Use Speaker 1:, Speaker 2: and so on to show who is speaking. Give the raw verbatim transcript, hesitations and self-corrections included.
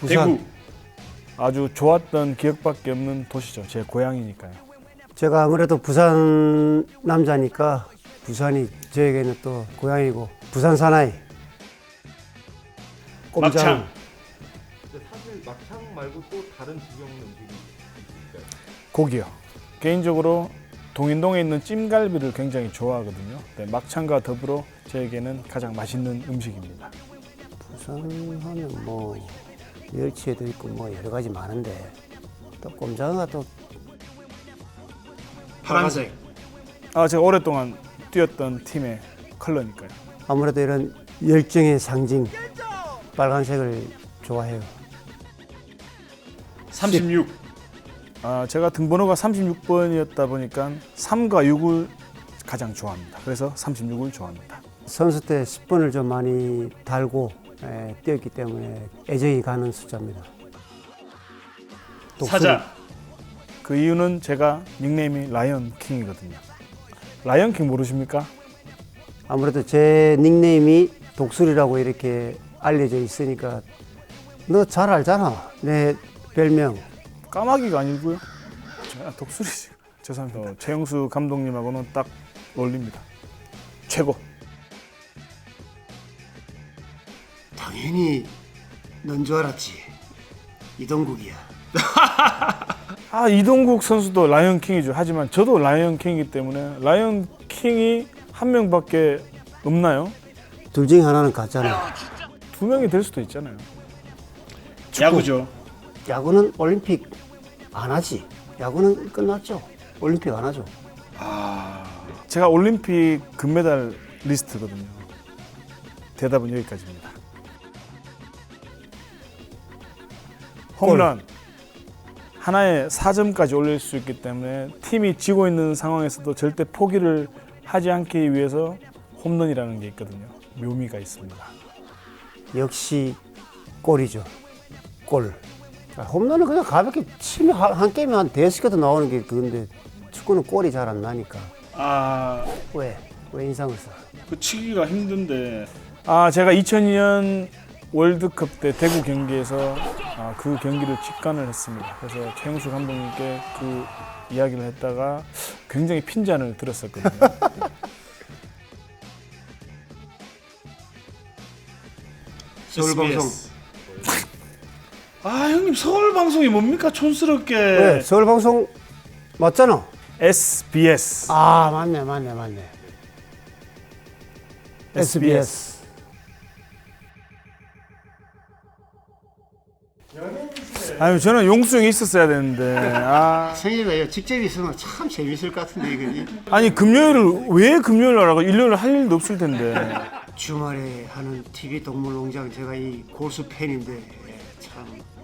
Speaker 1: 부산.
Speaker 2: 대구.
Speaker 3: 아주 좋았던 기억밖에 없는 도시죠. 제 고향이니까요.
Speaker 1: 제가 아무래도 부산 남자니까 부산이 저에게는 또 고향이고 부산 사나이. 꼼장.
Speaker 2: 막창.
Speaker 4: 근데 사실 막창 말고 또 다른 지역 음식이 있을까요?
Speaker 3: 고기요. 개인적으로 동인동에 있는 찜갈비를 굉장히 좋아하거든요. 네, 막창과 더불어 저에게는 가장 맛있는 음식입니다.
Speaker 1: 부산 하면 뭐 멸치에도 있고 뭐 여러 가지 많은데 또 꼼장어가 또
Speaker 2: 파란색.
Speaker 3: 아, 제가 오랫동안 뛰었던 팀의 컬러니까요.
Speaker 1: 아무래도 이런 열정의 상징 빨간색을 좋아해요.
Speaker 2: 삼십육.
Speaker 3: 아, 제가 등번호가 삼십육 번이었다 보니까 삼과 육을 가장 좋아합니다. 그래서 삼십육을 좋아합니다.
Speaker 1: 선수 때 십 번을 좀 많이 달고 에, 뛰었기 때문에 애정이 가는 숫자입니다. 독수리.
Speaker 2: 사자.
Speaker 3: 그 이유는 제가 닉네임이 라이언 킹이거든요. 라이언 킹 모르십니까?
Speaker 1: 아무래도 제 닉네임이 독수리라고 이렇게 알려져 있으니까 너 잘 알잖아. 내 별명.
Speaker 3: 까마귀가 아니고요. 아, 독수리지. 죄송합니다. 어, 최영수 감독님하고는 딱 어울립니다. 최고.
Speaker 1: 당연히 넌 줄 알았지. 이동국이야.
Speaker 3: 아, 이동국 선수도 라이언 킹이죠. 하지만 저도 라이언 킹이기 때문에 라이언 킹이 한 명밖에 없나요?
Speaker 1: 둘 중에 하나는 가짜네.
Speaker 3: 두 명이 될 수도 있잖아요.
Speaker 2: 야구죠.
Speaker 1: 야구는 올림픽 안 하지. 야구는 끝났죠. 올림픽 안 하죠.
Speaker 3: 제가 올림픽 금메달 리스트거든요. 대답은 여기까지입니다. 홈런 하나에 사 점까지 올릴 수 있기 때문에 팀이 지고 있는 상황에서도 절대 포기를 하지 않기 위해서 홈런이라는 게 있거든요. 묘미가 있습니다.
Speaker 1: 역시 골이죠. 골. 아, 홈런은 그냥 가볍게 치면 한, 한 게임에 한 대여섯 개도 나오는 게 그건데 축구는 골이 잘 안 나니까.
Speaker 3: 아,
Speaker 1: 왜? 왜 인상을 써?
Speaker 2: 그 치기가 힘든데.
Speaker 3: 아 제가 이천이 년 월드컵 때 대구 경기에서 아, 그 경기를 직관을 했습니다. 그래서 최영수 감독님께 그 이야기를 했다가 굉장히 핀잔을 들었었거든요.
Speaker 1: 서울방송.
Speaker 2: 아 형님 서울 방송이 뭡니까 촌스럽게.
Speaker 1: 왜? 서울방송 맞잖아.
Speaker 3: 에스비에스.
Speaker 1: 아 맞네 맞네 맞네. 에스비에스.
Speaker 3: 아유 저는 용수형이 있었어야 되는데. 아,
Speaker 1: 생일에 직접 있으면 참 재밌을 것 같은데 이거지.
Speaker 3: 아니 금요일을 왜 금요일 하라고? 일요일 할 일도 없을 텐데.
Speaker 1: 주말에 하는 티비 동물농장 제가 이 고수 팬인데 참